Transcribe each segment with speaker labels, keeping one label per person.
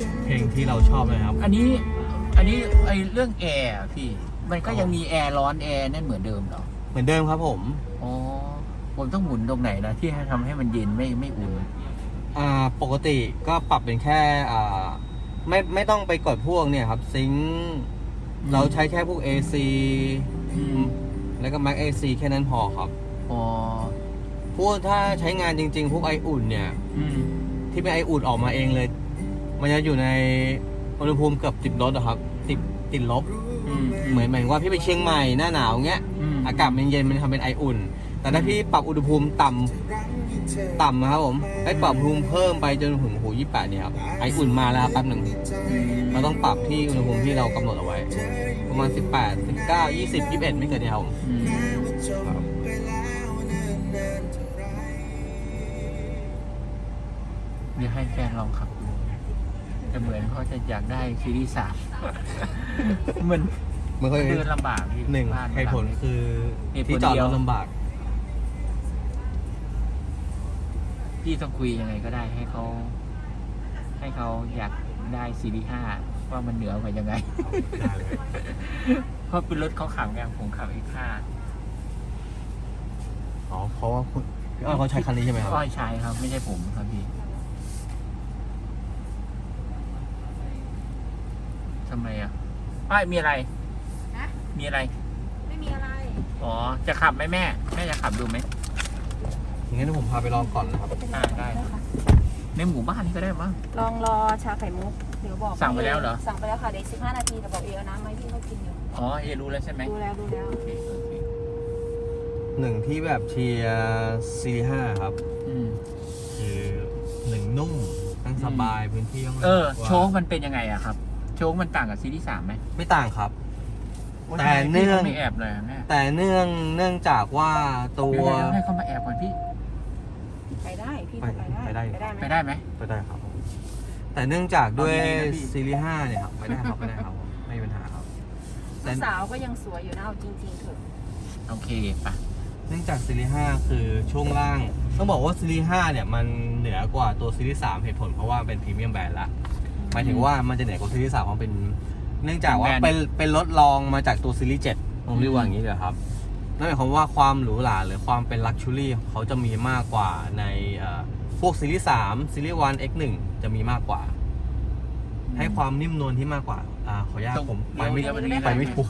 Speaker 1: เพลงที่เราชอบเลยครับ
Speaker 2: อันนี้ไอเรื่องแอร์พี่มันก็ยังมีแอร์ร้อนแอร์นั่นเหมือนเดิมเหรอ
Speaker 1: เหมือนเดิมครับผม
Speaker 2: อ๋อผมต้องหมุนตรงไหนนะที่ให้ทำให้มันเย็นไม่อุ่น
Speaker 1: ปกติก็ปรับเป็นแค่ไม่ต้องไปกดพวกเนี่ยครับซิงค์เราใช้แค่พวก AC แล้วก็ Max AC แค่นั้นพอครับ
Speaker 2: อ๋อ
Speaker 1: พวกถ้าใช้งานจริงๆพวกไออุ่นเนี่ยที่เป็นไออุ่นออกมาเองเลยมันจะอยู่ในอุณหภูมิเกือบ10 ลบอะครับติดลบเหมือนว่าพี่ไปเชียงใหม่หน้าหนาวเงี้ยอากาศมันเย็นมันทำเป็นไออุ่นแต่ถ้าพี่ปรับอุณหภูมิต่ำนะครับผมให้ปรับอุณหภูมิเพิ่มไปจนถึง28เนี่ยครับไออุ่นมาแล้วแป๊บหนึ่งเราต้องปรับที่อุณหภูมิที่เรากำหนดเอาไว้ประมาณ18 19 20 21ไม่เกินเนี่ยครับ
Speaker 2: เดี๋ยวให้แฟนลองขับดูแต่เหมือนเขาจะอยากได้ซีรีส์3มันก็เดินลำบาก
Speaker 1: หนึ่งเหตุผลคือที่จอดรถลำบาก
Speaker 2: พี่ต้องคุยยังไงก็ได้ให้เขาอยากได้ซีรีส์5ว่ามันเหนือกว่ายังไงเพราะเป็นรถเขาขับไงผมขับX5
Speaker 1: อ๋อเพราะว่าพี่อ้อยเขาใช้คันนี้ใช่ไหมครับ
Speaker 2: อ้อยใช้ครับไม่ใช่ผมครับพี่ทำไมอ่ะอ้อยมีอะไรมีอะไร
Speaker 3: ไม่มีอะไร
Speaker 2: อ๋อจะขับไหมแม่จะขับดูไหม
Speaker 1: งั้นผมพาไปลองก่อนนะครับ
Speaker 2: ได้ในหมู่บ้านนี่ก็ได้มั้ง
Speaker 3: ลองรอชาไข่มุกเดี๋ยวบอก
Speaker 2: สั่งไปแล้วเหรอ
Speaker 3: สั่งไปแล้วค่ะเดี๋ยว15 นาทีแต่บอกเอาน้ำไหมพี่เขากินอยู่
Speaker 2: อ๋อรู้แล้วใช่ไหม
Speaker 3: ดูแล้ว
Speaker 1: หนึ่งที่แบบเชียร์C5ครับคือหนึ่งนุ่มนั่งสบายพื้นที่
Speaker 2: โชคมันเป็นยังไงอะครับโชคมันต่างกับซีรีส์3ไหม
Speaker 1: ไม่ต่างครับแต่เนื่อง
Speaker 2: ไม่แอบเลยแม่
Speaker 1: แต่เนื่องจากว่าตัว
Speaker 2: ให้เขามาแอบก่อนพี่
Speaker 3: ไปได้พี่ไปได้
Speaker 2: ไหม
Speaker 1: ไปได้ครับแต่เนื่องจากด้วยซีรีส์5เนี่ยครับไปได้ครับไม่มีปัญหาครับ
Speaker 3: สาวก็ยังสวยอยู่นะเอาจริงๆเถอะ
Speaker 2: โอเคป่ะ
Speaker 1: เนื่องจากซีรีส์5คือช่วงล่างต้องบอกว่าซีรีส์5เนี่ยมันเหนือกว่าตัวซีรีส์3เหตุผลเพราะว่าเป็นพรีเมียมแบรนด์ละหมายถึงว่ามันจะเหนือกว่าซีรีส์3เพราะเป็นเนื่องจากว่าเป็นรถรองมาจากตัวซีรีส์7ผมเรียกว่าอย่างนี้เลยครับนั่นหมายความว่าความหรูหราหรือความเป็นลักชัวรี่เขาจะมีมากกว่าในพวกซีรีส์3ซีรีส์1 X1 จะมีมากกว่าให้ความนิ่มนวลที่มากกว่าขออนุญาตผมไปไม่ถูก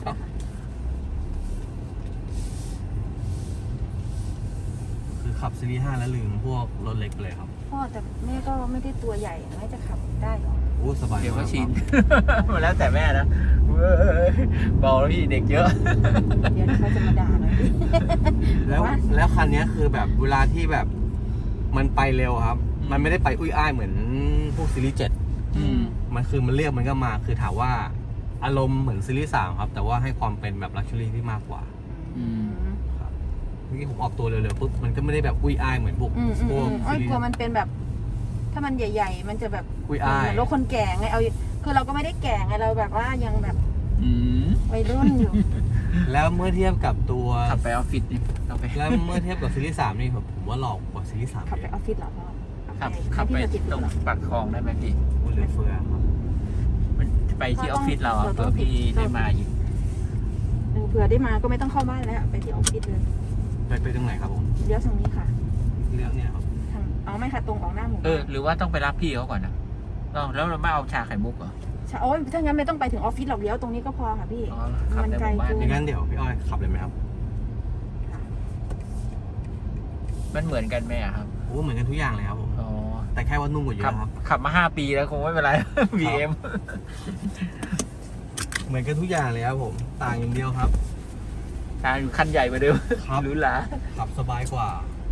Speaker 1: คือขับซีรีส์5แล้วลืมพวกรถเล็กเลยครับ
Speaker 3: พ่อแต่แม่ก็ไม่ได้ตัวใหญ่แม่จะขับได้หรอ
Speaker 1: โอ้สบาย
Speaker 2: เดี๋ยวก็ชินมาแล้วแต่แม่นะบอกแล้วพี่เด็กเยอะ
Speaker 3: เดี๋ยวเขาจะมาด่าเลย
Speaker 1: แล้วคันนี้คือแบบเวลาที่แบบมันไปเร็วครับมันไม่ได้ไปอุ้ยอ้ายเหมือนพวกซีรีส์7มันคือมันเรียกมันก็มาคือถามว่าอารมณ์เหมือนซีรีส์3ครับแต่ว่าให้ความเป็นแบบลักชัวรี่ที่มากกว่าครับเมื่อกี้ผมออกตัวเร็วๆปุ๊บมันก็ไม่ได้แบบอุ้ยอ้ายเหมือนพวก
Speaker 3: ซีรีส์กลัวมันเป็นแบบถ้ามันใหญ่ๆมันจะแบบ
Speaker 1: อุ้ยอ้าย
Speaker 3: รถคนแก่ไงเอาคือเราก็ไม่ได้แก่ไงเราแบบว่ายังแบบวัยรุ่นอยู่
Speaker 1: แล้วเมื่อเทียบกับตัว
Speaker 2: ขับไปออฟฟิศนี่
Speaker 1: แล้วเมื่อเทียบกับซีรีส์3นี่ผมว่าหลอกกว่าซีรีส์3
Speaker 3: ขับไปออฟฟิศหรอพ่อ
Speaker 2: ขับไปตรงปากคลองได้ไหมพี่
Speaker 1: เหลือเฟือครับ
Speaker 2: มันไปที่ออฟฟิศเราเผื่อพี่ได้มาอยู่
Speaker 3: เผื่อได้มาก็ไม่ต้องเข้าบ้านแล้วไปที่ออฟฟิศเลย
Speaker 1: ไปตรงไหนครับผม
Speaker 3: เลี้ยวทางนี้ค่ะ
Speaker 1: เลี้ยวเนี่ยครับ
Speaker 3: เอาไม่ค่ะตรงออกหน้าหมู่
Speaker 2: หรือว่าต้องไปรับพี่เขาก่อนนะแล้วเราไม่เอาชาไข่มุกเหรอ
Speaker 3: โอ้ยถ้างั้นไม่ต้องไปถึงออฟฟิศหรอกเลี้ยวตรงนี้ก็พอค่ะพี่
Speaker 2: มันไกล
Speaker 1: จุดงั้นเดี๋ยวพี่อ้อยขับเลยไหมครับ
Speaker 2: มันเหมือนกันไหมครับ
Speaker 1: โอ้เหมือนกันทุกอย่างเลยครับผมแต่แค่ว่านุ่มกว่าเยอะครับ
Speaker 2: ขับมา5 ปีแล้วคงไม่เป็นไร BM
Speaker 1: เหมือนกันทุกอย่างเลยครับผมต่างอย่างเดียวครับ
Speaker 2: ต่างอยู่คันใหญ่กว่าเดิมหรูหรา
Speaker 1: ขับสบายกว่า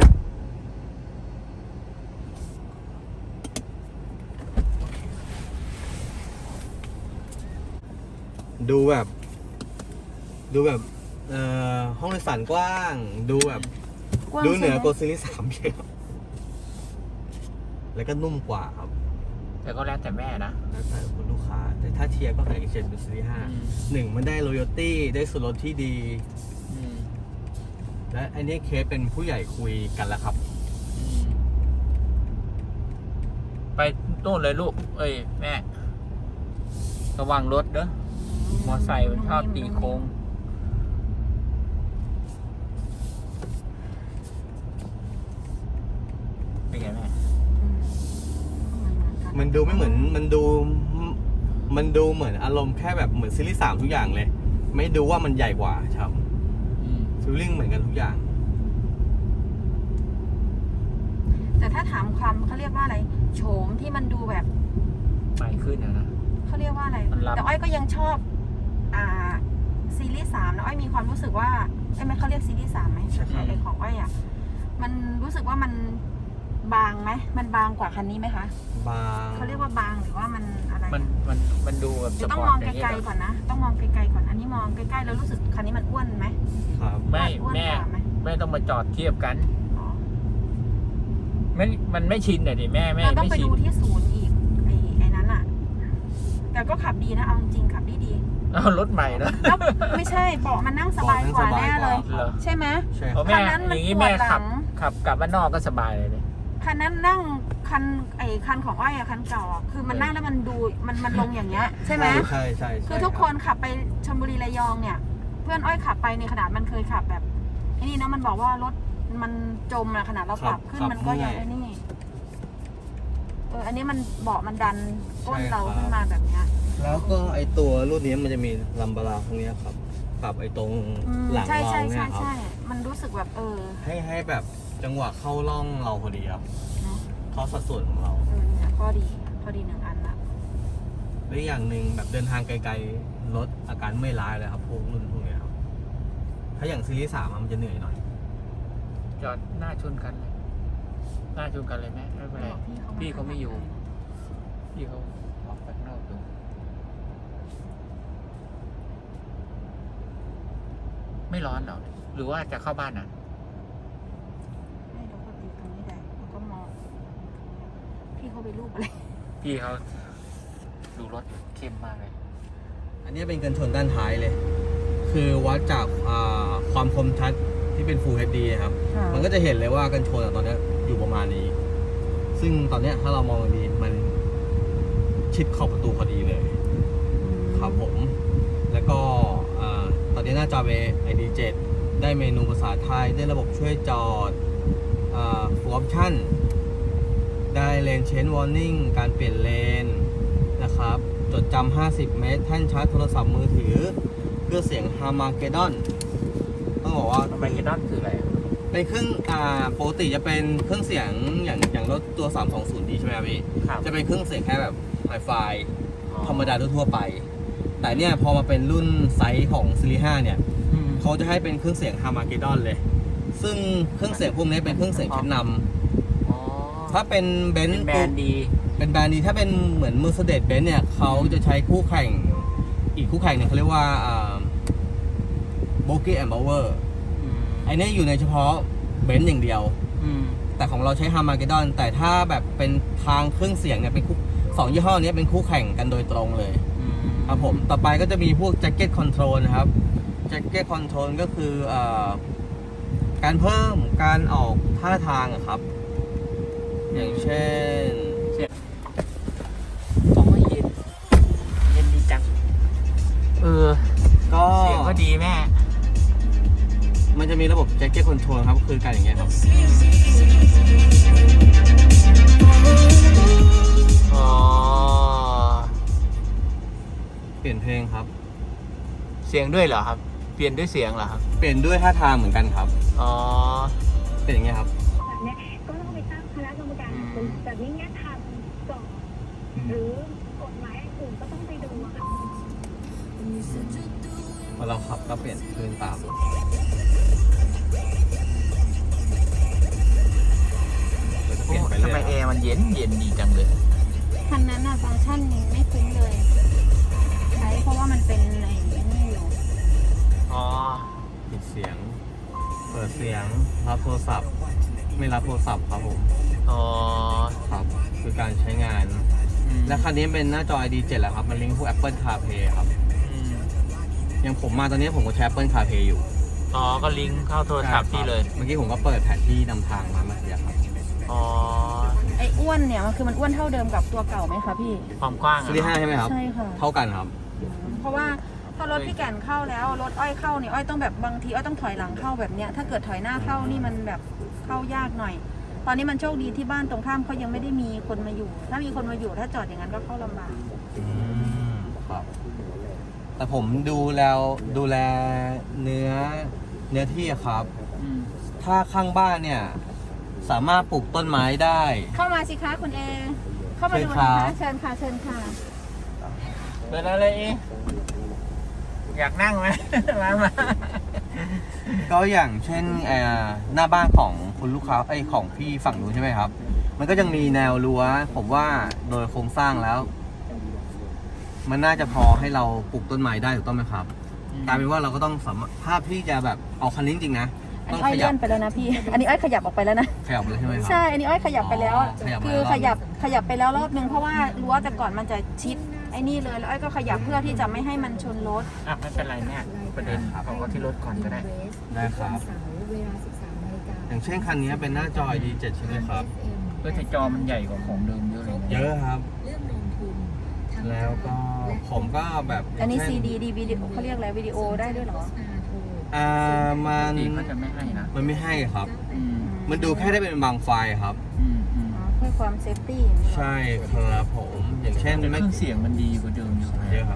Speaker 1: ดูแบบห้องโดยสารกว้างดูเหนือกว่าซีรีส์3เยอะแล้วก็นุ่มกว่าครับ
Speaker 2: แต่ก็แล้วแต่แม่นะ
Speaker 1: แล้วแต่คุณลูกค้าแต่ถ้าเทียบก็คือเฉยเป็นซีรีส์5มันได้ loyalty ได้ส่วนลดที่ดีและอันนี้เคสเป็นผู้ใหญ่คุยกันแล้วครับ
Speaker 2: ไปโน่นเลยลูกแม่ระวังรถเด้อมอไซค์มันชอบตีโค้งเป็นไงแม่
Speaker 1: มันดูไม่เหมือนมันดูเหมือนอารมณ์แค่แบบเหมือนซีรีส์3ทุกอย่างเลย ไม่ดูว่ามันใหญ่กว่าครับฟีลลิ่งเหมือนกันทุกอย่าง
Speaker 3: แต่ถ้าถามความเขาเรียกว่าอะไรโฉมที่มันดูแบบ
Speaker 2: ใหม่ขึ้นนะ
Speaker 3: เขาเรียกว่าอะไร
Speaker 2: มันล้ำ
Speaker 3: แต่อ้อยก็ยังชอบซีรีส์3นะอ้อยมีความรู้สึกว่าไม่เขาเรียกซีรีส์3ไหม
Speaker 1: ใช่ครับ
Speaker 3: ไอของอ้อยอ่ะมันรู้สึกว่ามันบางไหมมันบางกว่าคันนี้ไหมคะ
Speaker 1: บาง
Speaker 3: เขาเรียกว่าบางหรือว่ามันอะไร
Speaker 2: มันดูแบบ
Speaker 3: จะ
Speaker 2: ส
Speaker 3: ต้อง
Speaker 2: ปอ
Speaker 3: ม
Speaker 2: ร์
Speaker 3: อง
Speaker 2: ต
Speaker 3: ไกลๆก่อนนะต้องมองไกลๆก่อนอันนี้มองใกล้ๆแล้วรู้สึกคันนี้มันอ้วนไหม
Speaker 1: ครับ
Speaker 2: ไม่
Speaker 3: อ้วน
Speaker 2: แม่
Speaker 3: กว่าไหม
Speaker 2: แม่ต้องมาจอดเทียบกัน
Speaker 3: อ๋อ
Speaker 2: มันไม่ชินเลยดิแม่
Speaker 3: เราต้อง
Speaker 2: ไม่
Speaker 3: ไป
Speaker 2: ชิน
Speaker 3: ดูที่ศูนย์อีกไอ้นั้นอ่ะ แต่ก็ขับดีนะเอาจริงๆขับดี
Speaker 2: เอารถใหม่แล้ว
Speaker 3: ๆแล้วไม่ใช่เบาะมันนั่งสบายกว่าแน่เลย
Speaker 2: เหรอ
Speaker 3: ใช่ไหม
Speaker 1: ใช่ค
Speaker 2: เพ
Speaker 1: รับ
Speaker 2: ราะแม่
Speaker 3: คันนั้นมัน
Speaker 2: อย่างนี้
Speaker 3: ปวด
Speaker 2: แม่
Speaker 3: หลัง
Speaker 2: ขับกลับบ้านนอกก็สบายเลยเนี่ย
Speaker 3: คันนั้นนั่งคันของอ้อยอะคันเก่าอะคือมันนั่งแล้วมันดูมันลงอย่างเงี้ยใช่ไหม
Speaker 1: ใช่
Speaker 3: คือทุกคนขับไปชลบุรีระยองเนี่ย เพื่อนอ้อยขับไปในขนาดมันเคยขับแบบไอ้นี่นะมันบอกว่ารถมันจมอะขนาดเราปรับขึ้นมันก็ยังไอ้นี่อันนี้มันเบาะมันดันก้นเราขึ้นมาแบบเนี้ย
Speaker 1: แล้วก็ไอตัวรุ่นนี้มันจะมีลัมบาราตรงเนี้ยครับปรับไอตรงหลัง
Speaker 3: ใช่
Speaker 1: เรา
Speaker 3: ใช่
Speaker 1: เนี่
Speaker 3: ใช่
Speaker 1: ยครับ
Speaker 3: ใช่มันรู้สึกแบบ
Speaker 1: ให้แบบจังหวะเข้าร่องเราพอดีครับ
Speaker 3: เนาะ
Speaker 1: เข้าสัดส่วนของเรา
Speaker 3: เนี่ยข้อดีหนึ่งอันละ
Speaker 1: และอีกอย่างหนึ่งแบบเดินทางไกลๆลดอาการเมื่อยล้าเลยครับพวกรุ่นพวกเนี้ยครับถ้าอย่างซีรีส์3มันจะเหนื่อยหน่อย
Speaker 2: จอดหน้าชนกันเลยหน้าชนกันเลยแม่ไม่เป็นไรพี่เขาไม่อยู่พี่เขาออกไปข้างนอกอยู่ไม่ร้อนเหรอหรือว่าจะเข้าบ้านน่ะ
Speaker 3: ให้เราก็ติดตรงนี้ได้แล้วก็มองพี่เขาไปรูปอะไร
Speaker 2: พี่เขาดูรถเข้มมากเลย
Speaker 1: อันนี้เป็นกันชนด้านท้ายเลย คือวัดจากความคมชัดที่เป็น Full HD ครับ มันก็จะเห็นเลยว่ากันชนตอนนี้อยู่ประมาณนี้ ซึ่งตอนนี้ถ้าเรามองดีมันชิดขอบประตูพอดีเลย ครับผม แล้วก็ตอนนี้หน้าจอเป็น ID7 ได้เมนูภาษาไทย ได้ระบบช่วยจอดfull option ได้ lane change warning การเปลี่ยนเลนนะครับ จดจำ50 เมตร แท่นชาร์จโทรศัพท์มือถือเครื่องเสียง Harmageddon ต้องบอกว่า
Speaker 2: ทำไมเกดอนคืออะไร
Speaker 1: เป็นเครื่องปกติจะเป็นเครื่องเสียงอย่างรถตัว 320D ใช่ไหมครับพี่
Speaker 2: ครับ
Speaker 1: จะเป็นเครื่องเสียงแค่แบบไฮไฟธรรมดาทั่วๆไป แต่เนี่ยพอมาเป็นรุ่นไซส์ของซีรีส์5เนี่ย เขาจะให้เป็นเครื่องเสียง Harmageddon เลย ซึ่งเครื่องเสียงพวกนี้เป็นเครื่องเสียงชั้นนำถ้าเป็นเบนซ์
Speaker 2: แบรนด์ดี
Speaker 1: เป็นแบรนด์นี้ถ้าเป็นเหมือน Mercedes-Benz เนี่ยเขาจะใช้คู่แข่งอีกคู่แข่งเนี่ยเขาเรียกว่าBogey and Bauer ไอ้นี่อยู่ในเฉพาะเบนซ์อย่างเดียว แต่ของเราใช้ Harmageddon แต่ถ้าแบบเป็นทางเครื่องเสียงเนี่ยเป็นสองยี่ห้อนี้เป็นคู่แข่งกันโดยตรงเลยครับผมต่อไปก็จะมีพวก Jacket Control นะครับ Jacket Control ก็คือการเพิ่มการออกท่าทางอะครับ อย่างเช่น
Speaker 2: โอ้ยเย็นดีจัง
Speaker 1: ก็
Speaker 2: เสียงก็ดีแม่
Speaker 1: มันจะมีระบบ Jacket Control ครับคือการอย่างเงี้ยครับ
Speaker 2: อ๋อ
Speaker 1: เปลี่ยนเพลงครับ
Speaker 2: เสียงด้วยเหรอครับ เปลี่ยนด้วยเสียงเหรอครับ
Speaker 1: เปลี่ยนด้วยท่าทางเหมือนกันครับ
Speaker 2: อ๋อ
Speaker 1: เป็นอย่างเงี้ยครับ
Speaker 4: แบบเนี้ยก็ต้องไปตั้งคณะกรรมการแบบนี้เนี่ยทำก่อนหรือกฎหมายอื่นก็ต้องไปดูอะค่ะ
Speaker 1: พอเราขับก็เปลี่ยนคลื่นตามเราจะเปลี่ยนไป
Speaker 2: ทำ
Speaker 1: เรื่
Speaker 2: ไม
Speaker 1: อย
Speaker 2: แอร์มันเย็นดีจังเลย
Speaker 3: คันนั้นอะฟังก์ชันไม่คุ้นเลย ใช้เพราะว่ามันเป็นไอ้นี่อยู่
Speaker 2: อ๋อ
Speaker 1: ปิดเสียง เปิดเสียง รับโทรศัพท์ ไม่รับโทรศัพท์ครับผม
Speaker 2: อ๋อ
Speaker 1: ครับ คือการใช้งาน และคันนี้เป็นหน้าจอ ID7 แล้วครับ มันลิงก์พวก Apple CarPlay ครับ อย่างผมมาตอนนี้ผมก็ใช้ Apple CarPlay อยู่
Speaker 2: อ๋อ ก็ลิงก์เข้าโทรศัพท์พี่เลย
Speaker 1: เมื่อกี้ผมก็เปิดแผนที่นำทางมาเมื่อกี้ครับ
Speaker 2: อ๋อ
Speaker 3: ไอ้อ้วนเนี่ยมันคือมันอ้วนเท่าเดิมกับตัวเก่าไหมคะพี่
Speaker 2: ความกว้าง
Speaker 1: ซีรีส์5ใช่ไหมครับ
Speaker 3: ใช่ค่ะ
Speaker 1: เท่ากันครับ
Speaker 3: เพราะว่าถ้ารถพี่แก่นเข้าแล้วรถอ้อยเข้าเนี่ยอ้อยต้องแบบบางทีอ้อยต้องถอยหลังเข้าแบบเนี้ยถ้าเกิดถอยหน้าเข้านี่มันแบบเข้ายากหน่อย ตอนนี้มันโชคดีที่บ้านตรงข้ามเขายังไม่ได้มีคนมาอยู่ ถ้ามีคนมาอยู่ถ้าจอดอย่างนั้นก็เข้าลำบาก
Speaker 1: ครับ แต่ผมดูแลเนื้อที่อะครับ
Speaker 2: อืม
Speaker 1: ถ้าข้างบ้านเนี่ย สามารถปลูกต้นไม้ได้
Speaker 3: เข้ามาสิคะคุณเอ เข้ามาดู
Speaker 1: เชิญครั
Speaker 3: นะคะ
Speaker 1: บ
Speaker 3: เชิญค่ะเชิญค่ะ
Speaker 2: เป็นอะไรอีกอยากนั่งไหม มา
Speaker 1: ก็อย่างเช่นหน้าบ้านของคุณลูกค้าของพี่ฝั่งนู้นใช่ไหมครับ มันก็ยังมีแนวรั้ว ผมว่าโดยโครงสร้างแล้ว มันน่าจะพอให้เราปลูกต้นไม้ได้ถูกต้องไหมครับกลายเป็นว่าเราก็ต้องสามารถภาพที่จะแบบเอาคันนี้จริงๆนะ
Speaker 3: อัน
Speaker 1: ต้อ
Speaker 3: นี้
Speaker 1: ง
Speaker 3: อ้อย
Speaker 1: ขยั
Speaker 3: เลื่
Speaker 1: บ
Speaker 3: อนไปแล้วนะพี่ อันนี้อ้อยขยับออกไปแล้วนะ
Speaker 1: ขยับเลยใช่ไหมครับ
Speaker 3: ใช่ อันนี้อ้อยขยับไปแล้ว
Speaker 1: อ๋อขยับมา
Speaker 3: คือ
Speaker 1: แล้ว
Speaker 3: ขยับไปแล้วรอบนึงเพราะว่ารั้วแต่ก่อนมันจะชิดไอ้นี่เลย แล้วอ้อยก็ขยับเพื่อที่จะไม่ให้มันชนรถ
Speaker 2: อ่ะไม่เป็นไรเนี่ยประเด็นเอาที่รถก่อนก็ได้
Speaker 1: ได้ครับ อย่างเช่นคันนี้เป็นหน้าจอ ID7 ใช่ไหมครับ
Speaker 2: เออแต่จอมันใหญ่กว่าของเดิมเยอะเลยนะ
Speaker 1: เยอะครับ แล้วก็ผมก็แบบ
Speaker 3: อันนี้
Speaker 1: เช่
Speaker 3: CD ดีวิดีโอเขาเรียกอะไรวิดีโอได้ด้วยเหรอ
Speaker 1: มัน
Speaker 2: ดีเขาจะไม่ให้นะ
Speaker 1: มันไม่ให้ครับ
Speaker 2: อืม
Speaker 1: มันดูแค่ได้เป็นบางไฟล์ครับ
Speaker 2: อืมอืม
Speaker 3: อ๋อเพื่อความเซฟตี้อย่างนี้เหรอ
Speaker 1: ใช่ครับผม อย่างเช่น
Speaker 2: แต่เค
Speaker 1: ไม่
Speaker 2: รื่องเสียงมันดีกว่าเดิมอยู่
Speaker 1: เยอะครับ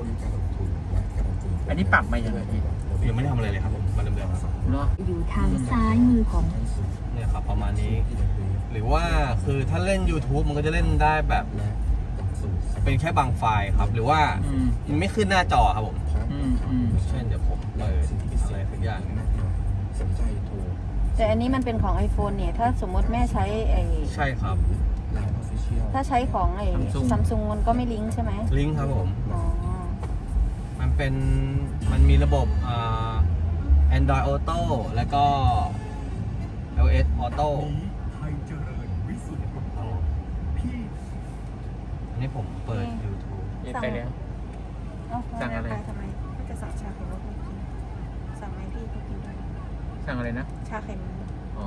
Speaker 2: อันนี้ปรับมาอย่างไรพี่
Speaker 1: ยังไม่ได้ทำอะไรเลยครับผมมาเดิมๆครับ
Speaker 2: เนาะ
Speaker 4: อยู่ทางซ้ายมือของ
Speaker 1: เนี่ยครับประมาณนี้ หรือว่าคือถ้าเล่น YouTube มันก็จะเล่นได้แบบ เป็นแค่บางไฟล์ครับ หรือว่า
Speaker 2: อืม
Speaker 1: มันไม่ขึ้นหน้าจอครับผม
Speaker 2: อืมอืม
Speaker 1: เช่นเดี๋ยวผมเปิดอะไรสักอย่างหนึ่ง
Speaker 3: แต่อันนี้มันเป็นของ iPhone เนี่ย ถ้าสมมติแม่ใช้ไอ้
Speaker 1: ใช่ครับ
Speaker 3: ถ้าใช้ของไอ้ซัมซุงมันก็ไม่ลิงก์ใช่ไหม
Speaker 1: ลิงก์ครับผม
Speaker 3: อ๋อ
Speaker 1: มันมีระบบAndroid Auto แล้วก็ iOS Auto อันนี้ผมเปิด YouTube
Speaker 2: เรียนไปแล้ว
Speaker 3: เอ้า
Speaker 2: สั่งอะไร
Speaker 3: ปทำไมก็จะสั่งชาไข่มุกให้กินสั่งไหมพี่เขากินด้วย
Speaker 2: สั่งอะไรนะ
Speaker 3: ชาไข่มุก
Speaker 2: อ๋อ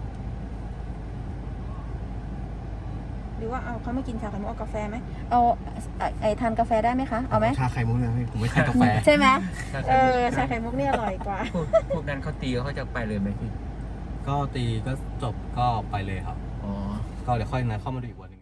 Speaker 3: หรือว่าเอาเขาไม่กินชาไข่มุกเอากาแฟไหมเอาไอ้ทานกาแฟได้ไหมคะ เอาไหม
Speaker 1: ชาไข่มุกนะพี่ผมไม่ทานกาแฟ
Speaker 3: ใช่ไหม
Speaker 2: ชาไข่
Speaker 3: เอ
Speaker 2: มุก
Speaker 3: อชาไข่มุกนี่อร่อยกว่า
Speaker 2: พวกนั้นเขาตีเขาจะไปเลยไหมพี่
Speaker 1: ก็ตีก็จบก็ไปเลยครับ
Speaker 2: อ๋อ
Speaker 1: ก็เดี๋ยวค่อยนัดเข้ามาดูอีกวัน